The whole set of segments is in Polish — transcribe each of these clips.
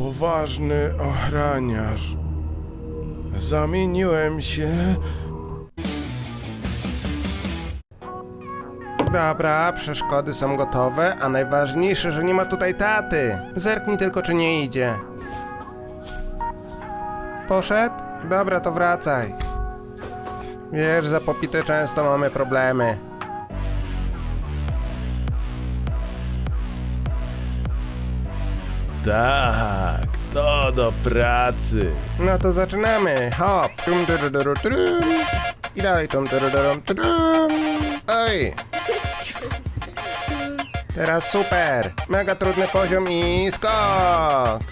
Poważny ochraniarz. Zamieniłem się. Dobra, przeszkody są gotowe, a najważniejsze, że nie ma tutaj taty. Zerknij tylko, czy nie idzie. Poszedł? Dobra, to wracaj. Wiesz, za popite często mamy problemy. Tak, to do pracy. No to zaczynamy. Hop. Tum, turururu, turum. I dalej tum, turururum, turum. Oj. Teraz super. Mega trudny poziom i skok.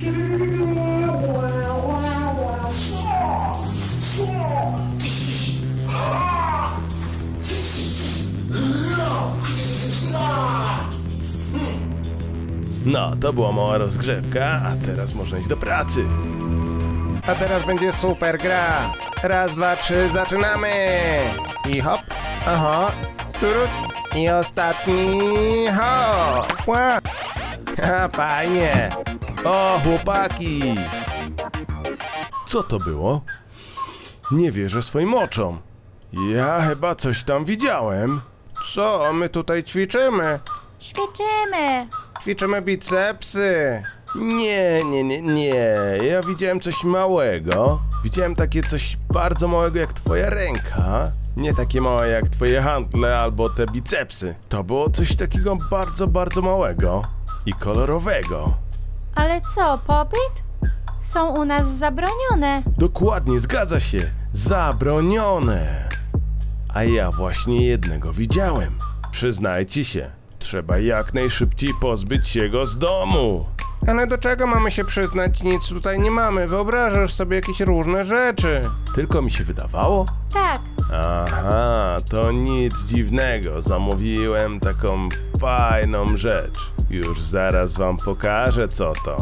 No, to była mała rozgrzewka, a teraz można iść do pracy. A teraz będzie super gra. Raz, dwa, trzy, zaczynamy. I hop. Aha. Turut. I ostatni. Hop. Ła. Ha, fajnie. O, chłopaki! Co to było? Nie wierzę swoim oczom. Ja chyba coś tam widziałem. Co? My tutaj ćwiczymy. Ćwiczymy. Ćwiczymy bicepsy. Nie. Ja widziałem coś małego. Widziałem takie coś bardzo małego jak twoja ręka. Nie takie małe jak twoje handle albo te bicepsy. To było coś takiego bardzo małego i kolorowego. Ale co, popyt? Są u nas zabronione. Dokładnie, zgadza się. Zabronione. A ja właśnie jednego widziałem. Przyznajcie się, trzeba jak najszybciej pozbyć się go z domu. Ale do czego mamy się przyznać? Nic tutaj nie mamy. Wyobrażasz sobie jakieś różne rzeczy. Tylko mi się wydawało? Tak. Aha, to nic dziwnego. Zamówiłem taką fajną rzecz. Już zaraz wam pokażę, co to.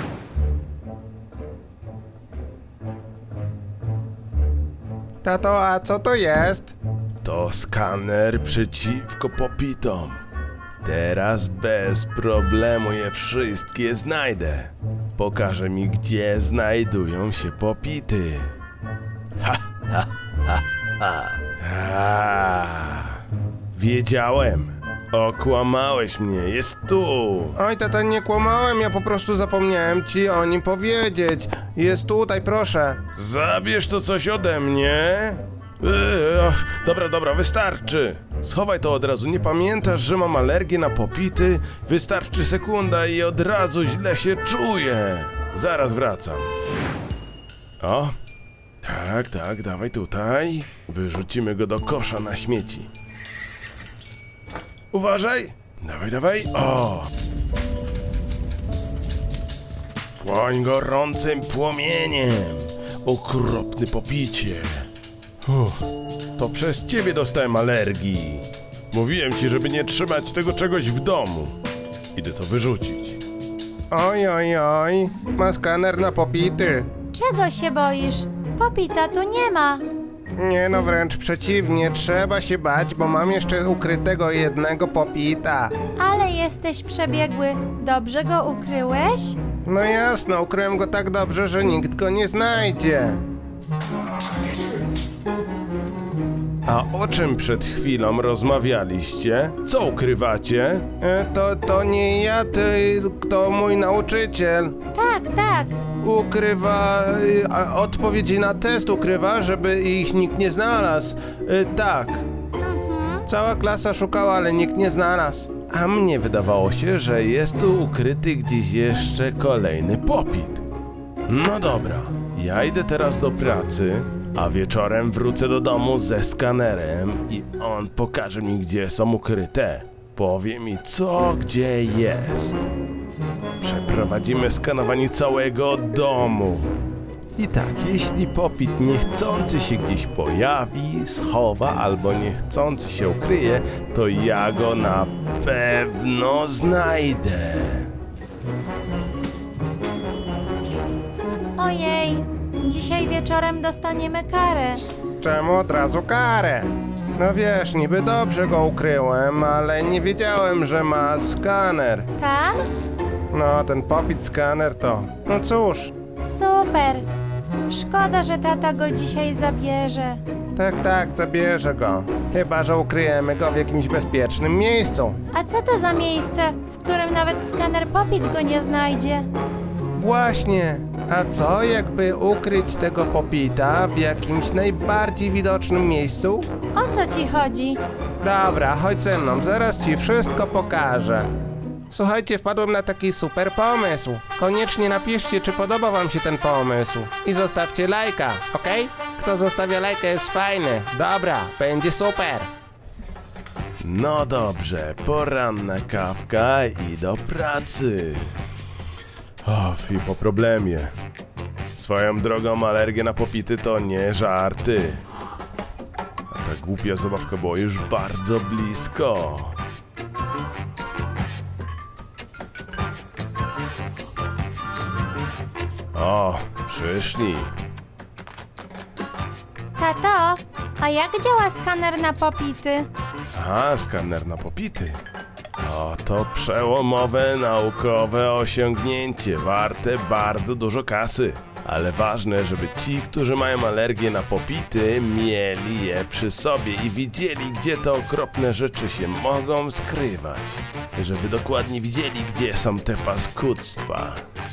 Tato, a co to jest? To skaner przeciwko popitom. Teraz bez problemu je wszystkie znajdę. Pokaże mi, gdzie znajdują się popity. Wiedziałem. Okłamałeś mnie, jest tu. Oj, tata, nie kłamałem, ja po prostu zapomniałem ci o nim powiedzieć. Jest tutaj, proszę. Zabierz to coś ode mnie. Dobra, wystarczy. Schowaj to od razu. Nie pamiętasz, że mam alergię na popity? Wystarczy sekunda i od razu źle się czuję. Zaraz wracam. O, tak, dawaj tutaj. Wyrzucimy go do kosza na śmieci. Uważaj. Dawaj. O. Płoń gorącym płomieniem. Okropny popicie. To przez ciebie dostałem alergii. Mówiłem ci, żeby nie trzymać tego czegoś w domu. Idę to wyrzucić. Oj, ma skaner na popity. Czego się boisz? Popita tu nie ma. Nie no, wręcz przeciwnie, trzeba się bać, bo mam jeszcze ukrytego jednego popita. Ale jesteś przebiegły. Dobrze go ukryłeś? No jasno, ukryłem go tak dobrze, że nikt go nie znajdzie. A o czym przed chwilą rozmawialiście? Co ukrywacie? To nie ja, to mój nauczyciel. Tak. Ukrywa, odpowiedzi na test ukrywa, żeby ich nikt nie znalazł. Tak. Cała klasa szukała, ale nikt nie znalazł. A mnie wydawało się, że jest tu ukryty gdzieś jeszcze kolejny popit. No dobra, ja idę teraz do pracy, a wieczorem wrócę do domu ze skanerem i on pokaże mi, gdzie są ukryte. Powie mi, co gdzie jest. Przeprowadzimy skanowanie całego domu. I tak, jeśli popit niechcący się gdzieś pojawi, schowa albo niechcący się ukryje, to ja go na pewno znajdę. Ojej, dzisiaj wieczorem dostaniemy karę. Czemu od razu karę? No wiesz, niby dobrze go ukryłem, ale nie wiedziałem, że ma skaner. Tam? No, ten Popit skaner to... No cóż, Super. Szkoda, że tata go dzisiaj zabierze. tak, zabierze go. Chyba że ukryjemy go w jakimś bezpiecznym miejscu. A co to za miejsce, w którym nawet skaner Popit go nie znajdzie? Właśnie. A co jakby ukryć tego Popita w jakimś najbardziej widocznym miejscu? O co ci chodzi? Dobra, chodź ze mną, zaraz ci wszystko pokażę. Słuchajcie, wpadłem na taki super pomysł. Koniecznie napiszcie, czy podoba wam się ten pomysł. I zostawcie lajka, okej? Kto zostawia lajka jest fajny. Dobra, będzie super. No dobrze, poranna kawka i do pracy. I po problemie. Swoją drogą alergia na popity to nie żarty. A ta głupia zabawka była już bardzo blisko. O, przyszli. Tato, a jak działa skaner na Popity? Aha, skaner na popity. O, to przełomowe naukowe osiągnięcie, warte bardzo dużo kasy. Ale ważne, żeby ci, którzy mają alergię na popity, mieli je przy sobie i widzieli, gdzie te okropne rzeczy się mogą skrywać. Żeby dokładnie widzieli, gdzie są te paskudztwa.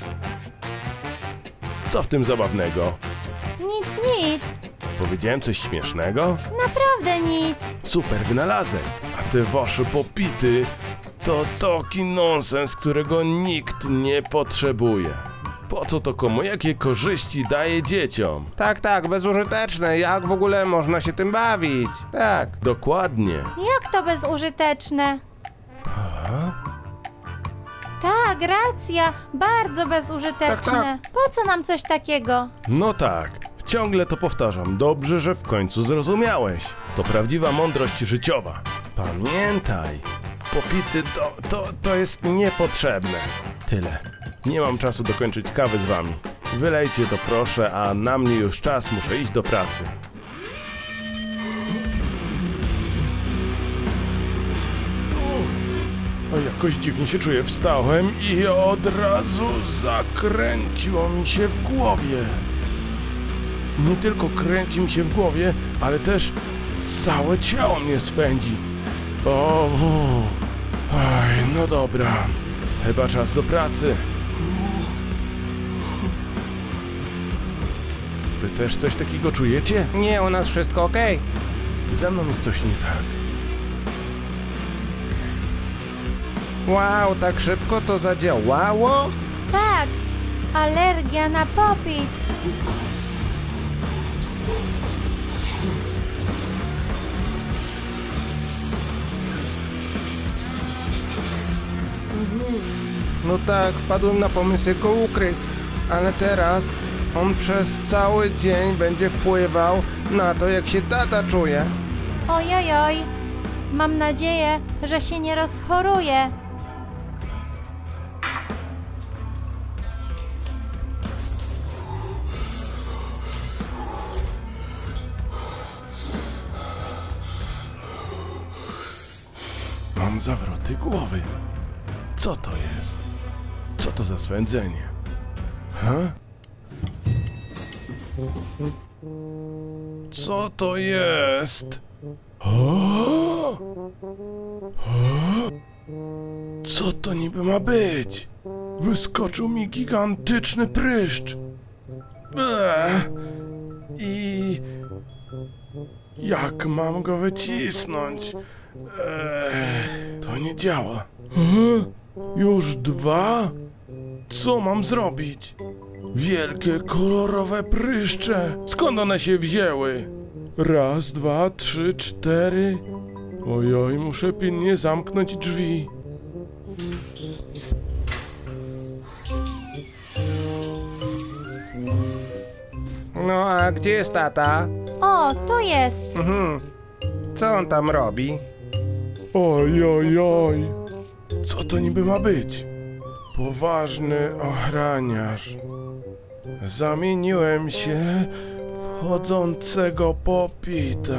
Co w tym zabawnego? Nic. Powiedziałem coś śmiesznego? Naprawdę nic. Super wynalazek. A te wasze popity to taki nonsens, którego nikt nie potrzebuje. Po co to komu? Jakie korzyści daje dzieciom? Tak, bezużyteczne. Jak w ogóle można się tym bawić? Tak. Dokładnie. Jak to bezużyteczne? Tak, racja. Bardzo bezużyteczne. Po co nam coś takiego? No tak. Ciągle to powtarzam. Dobrze, że w końcu zrozumiałeś. To prawdziwa mądrość życiowa. Pamiętaj. Popity to jest niepotrzebne. Tyle. Nie mam czasu dokończyć kawy z wami. Wylejcie to proszę, a na mnie już czas, muszę iść do pracy. A jakoś dziwnie się czuję. Wstałem i od razu zakręciło mi się w głowie. Nie tylko kręci mi się w głowie, ale też całe ciało mnie swędzi. No dobra. Chyba czas do pracy. Wy też coś takiego czujecie? Nie, u nas wszystko okej. Ze mną jest coś nie tak. Wow, tak szybko to zadziałało? Tak, alergia na Popit. No tak, wpadłem na pomysł jak go ukryć. Ale teraz on przez cały dzień będzie wpływał na to, jak się tata czuje. Ojojoj. Mam nadzieję, że się nie rozchoruje. Mam zawroty głowy. Co to jest? Co to za swędzenie? Co to jest? Co to niby ma być? Wyskoczył mi gigantyczny pryszcz. I jak mam go wycisnąć? To nie działa. Już 2? Co mam zrobić? Wielkie, kolorowe pryszcze. Skąd one się wzięły? 1, 2, 3, 4. Ojoj, muszę pilnie zamknąć drzwi. No a gdzie jest tata? O, tu jest. Co on tam robi? Oj. Co to niby ma być? Poważny ochraniarz. Zamieniłem się w chodzącego popita.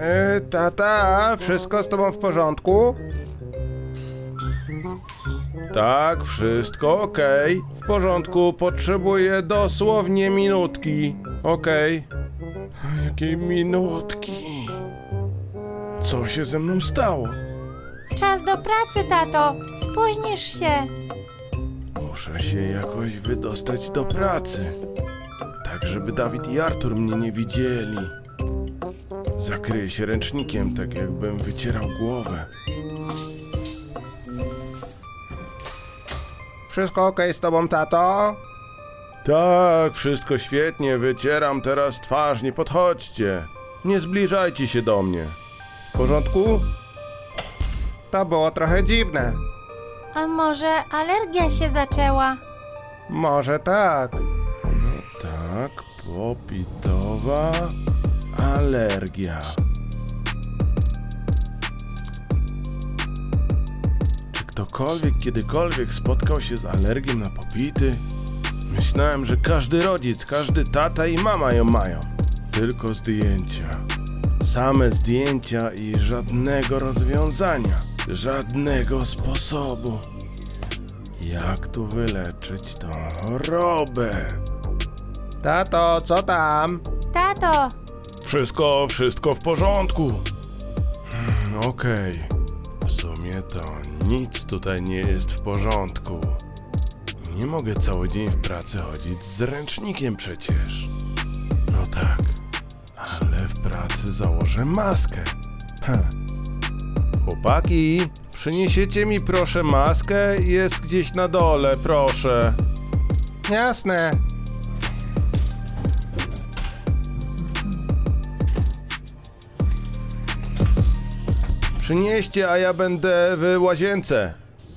Tata, wszystko z tobą w porządku? Tak, wszystko okej. W porządku, potrzebuję dosłownie minutki. Okej. Jakiej minutki? Co się ze mną stało? Czas do pracy, tato. Spóźnisz się. Muszę się jakoś wydostać do pracy. Tak, żeby Dawid i Artur mnie nie widzieli. Zakryję się ręcznikiem, tak jakbym wycierał głowę. Wszystko okej z tobą, tato? Tak, wszystko świetnie, wycieram teraz twarz, nie podchodźcie. Nie zbliżajcie się do mnie. W porządku? To było trochę dziwne. A może alergia się zaczęła? Może tak. No tak, popitowa alergia. Czy ktokolwiek kiedykolwiek spotkał się z alergią na popity? Myślałem, że każdy rodzic, każdy tata i mama ją mają. Tylko zdjęcia. Same zdjęcia i żadnego rozwiązania. Żadnego sposobu. Jak tu wyleczyć tą chorobę? Tato, co tam? Tato, Wszystko w porządku. Okej. W sumie to nic tutaj nie jest w porządku. Nie mogę cały dzień w pracy chodzić z ręcznikiem przecież. No tak, ale w pracy założę maskę. Chłopaki, przyniesiecie mi proszę maskę? Jest gdzieś na dole, proszę. Jasne. Przynieście, a ja będę w łazience.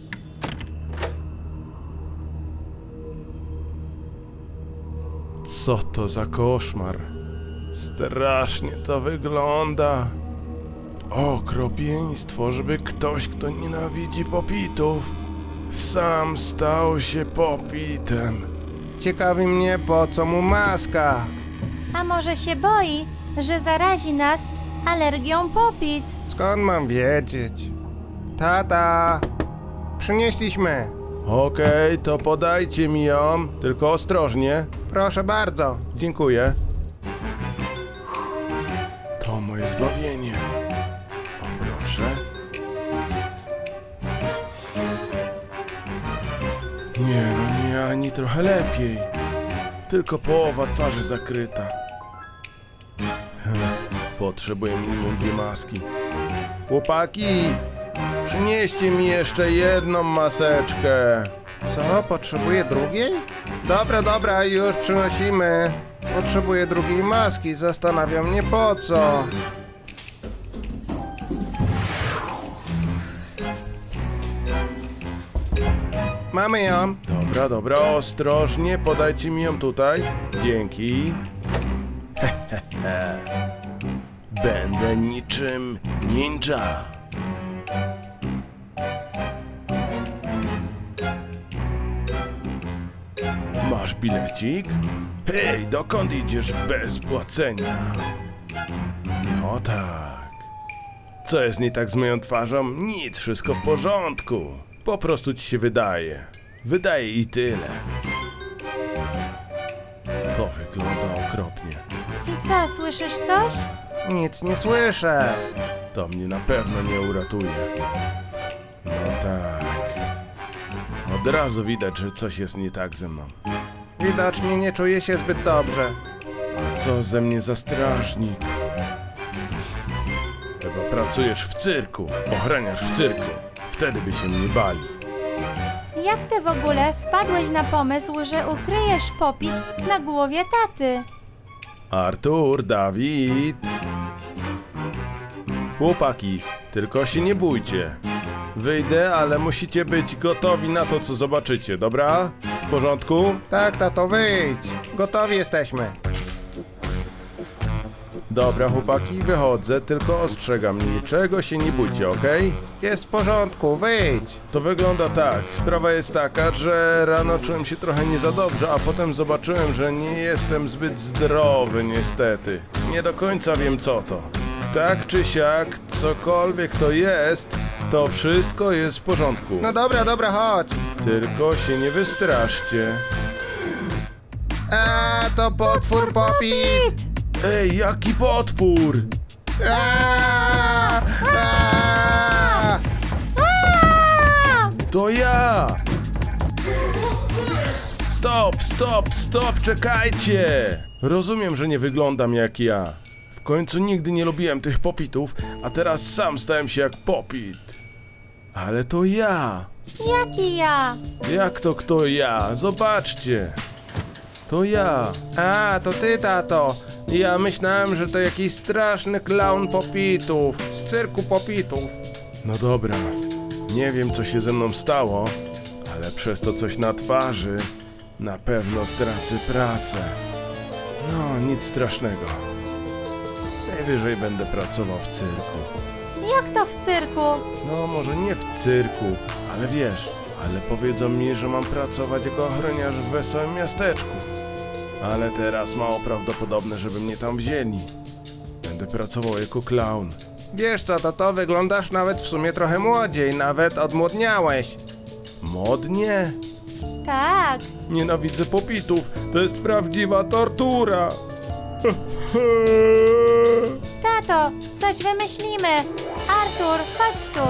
Co to za koszmar? Strasznie to wygląda. Okropieństwo, żeby ktoś, kto nienawidzi popitów, sam stał się popitem. Ciekawi mnie, po co mu maska. a może się boi, że zarazi nas alergią popit? Skąd mam wiedzieć? Tata, przynieśliśmy. Okej, to podajcie mi ją, tylko ostrożnie. Proszę bardzo. Dziękuję. To moje zbawienie. O, proszę. Nie, no nie, ani trochę lepiej. Tylko połowa twarzy zakryta. Potrzebuję minimum 2 maski. Chłopaki, przynieście mi jeszcze jedną maseczkę. Co, potrzebuję drugiej? Dobra, już przynosimy. Potrzebuję drugiej maski, zastanawia mnie po co. Mamy ją. Dobra, ostrożnie, podajcie mi ją tutaj. Dzięki. Będę niczym ninja. Masz bilecik? Hej, dokąd idziesz bez płacenia? No tak. Co jest nie tak z moją twarzą? Nic, wszystko w porządku. Po prostu ci się wydaje. Wydaje i tyle. To wygląda okropnie. I co, słyszysz coś? Nic nie słyszę. To mnie na pewno nie uratuje. No tak. Od razu widać, że coś jest nie tak ze mną. Widocznie nie czuję się zbyt dobrze. A co ze mnie za strażnik? Chyba pracujesz w cyrku, ochraniasz w cyrku. Wtedy by się mnie bali. Jak ty w ogóle wpadłeś na pomysł, że ukryjesz popit na głowie taty? Artur, Dawid. Chłopaki, tylko się nie bójcie. Wyjdę, ale musicie być gotowi na to, co zobaczycie, dobra? W porządku? Tak, tato, wyjdź. Gotowi jesteśmy. Dobra, chłopaki, wychodzę, tylko ostrzegam, niczego się nie bójcie, okej? Jest w porządku, wyjdź. To wygląda tak. Sprawa jest taka, że rano czułem się trochę nie za dobrze, a potem zobaczyłem, że nie jestem zbyt zdrowy niestety. Nie do końca wiem co to. Tak czy siak, cokolwiek to jest, To wszystko jest w porządku. No dobra, dobra, chodź. Tylko się nie wystraszcie. To potwór Popit! Ej, jaki potwór! A! To ja! Stop, czekajcie! Rozumiem, że nie wyglądam jak ja. W końcu nigdy nie lubiłem tych popitów, a teraz sam stałem się jak popit. Ale to ja! Jaki ja? Jak to kto ja? Zobaczcie! To ja! To ty, tato. Ja myślałem, że to jakiś straszny klaun Popitów. Z cyrku Popitów. No dobra, nie wiem co się ze mną stało, ale przez to coś na twarzy na pewno stracę pracę. No, nic strasznego. Najwyżej będę pracował w cyrku. Jak to w cyrku? No, może nie w cyrku, ale wiesz, ale powiedzą mi, że mam pracować jako ochroniarz w wesołym miasteczku. Ale teraz mało prawdopodobne, żeby mnie tam wzięli. Będę pracował jako klaun. Wiesz co, to wyglądasz nawet w sumie trochę młodziej. Nawet odmłodniałeś. Modnie? Tak. Nienawidzę popitów, to jest prawdziwa tortura. Tato, coś wymyślimy. Artur, chodź tu.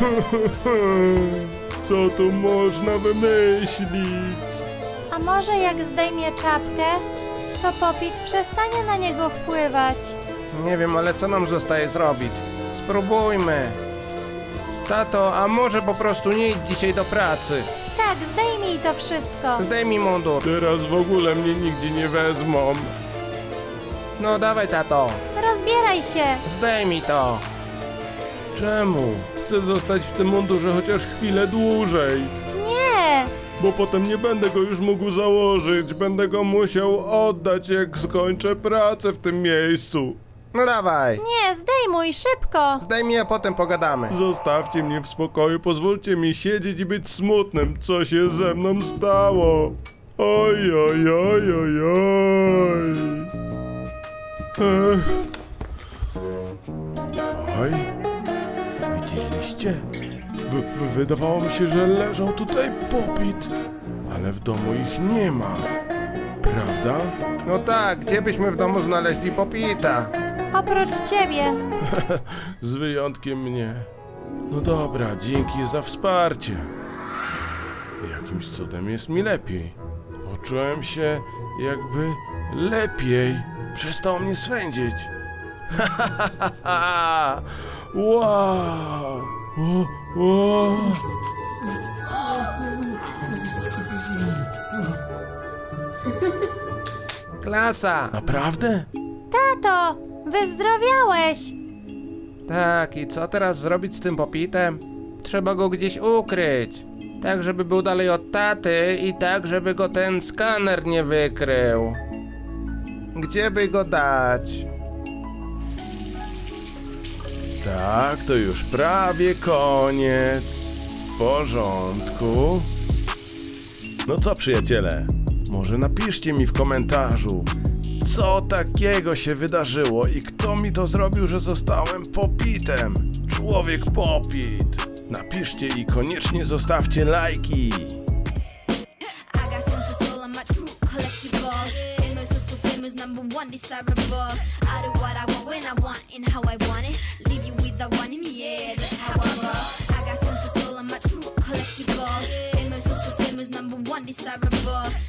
Co tu można wymyślić? A może jak zdejmie czapkę, to Popit przestanie na niego wpływać. Nie wiem, ale co nam zostaje zrobić? Spróbujmy. Tato, a może po prostu nie idź dzisiaj do pracy? Tak, zdejmij to wszystko. Zdejmij mundur. Teraz w ogóle mnie nigdzie nie wezmą. No dawaj, tato. Rozbieraj się. Zdejmij to. Czemu? Chcę zostać w tym mundurze chociaż chwilę dłużej. Nie. Bo potem nie będę go już mógł założyć. Będę go musiał oddać, jak skończę pracę w tym miejscu. No dawaj. Nie, zdejmuj, szybko. Zdejmij, a potem pogadamy. Zostawcie mnie w spokoju, pozwólcie mi siedzieć i być smutnym. Co się ze mną stało? Oj, oj, oj, oj, oj. Ech. Oj, widzieliście? Wydawało mi się, że leżał tutaj popit, ale w domu ich nie ma. Prawda? No tak, gdzie byśmy w domu znaleźli Popita? Oprócz ciebie. Z wyjątkiem mnie. No dobra, dzięki za wsparcie. Jakimś cudem jest mi lepiej. Poczułem się jakby lepiej. Przestało mnie swędzić. Wow! O. Klasa. Naprawdę? Tato, wyzdrowiałeś. Tak, i co teraz zrobić z tym Popitem? Trzeba go gdzieś ukryć. Tak, żeby był dalej od taty i tak, żeby go ten skaner nie wykrył. Gdzie by go dać? Tak, to już prawie koniec. W porządku. No co, przyjaciele? Może napiszcie mi w komentarzu, co takiego się wydarzyło i kto mi to zrobił, że zostałem Popitem. Człowiek Popit. Napiszcie i koniecznie zostawcie lajki. I got tons of soul, I'm a true collectible. Famous, so famous, #1 desirable. I do what I want when I want and how I want it. Leave you with the one in the air, that's how I roll. I got tons of soul, I'm a true collectible. Famous, so famous, #1 desirable.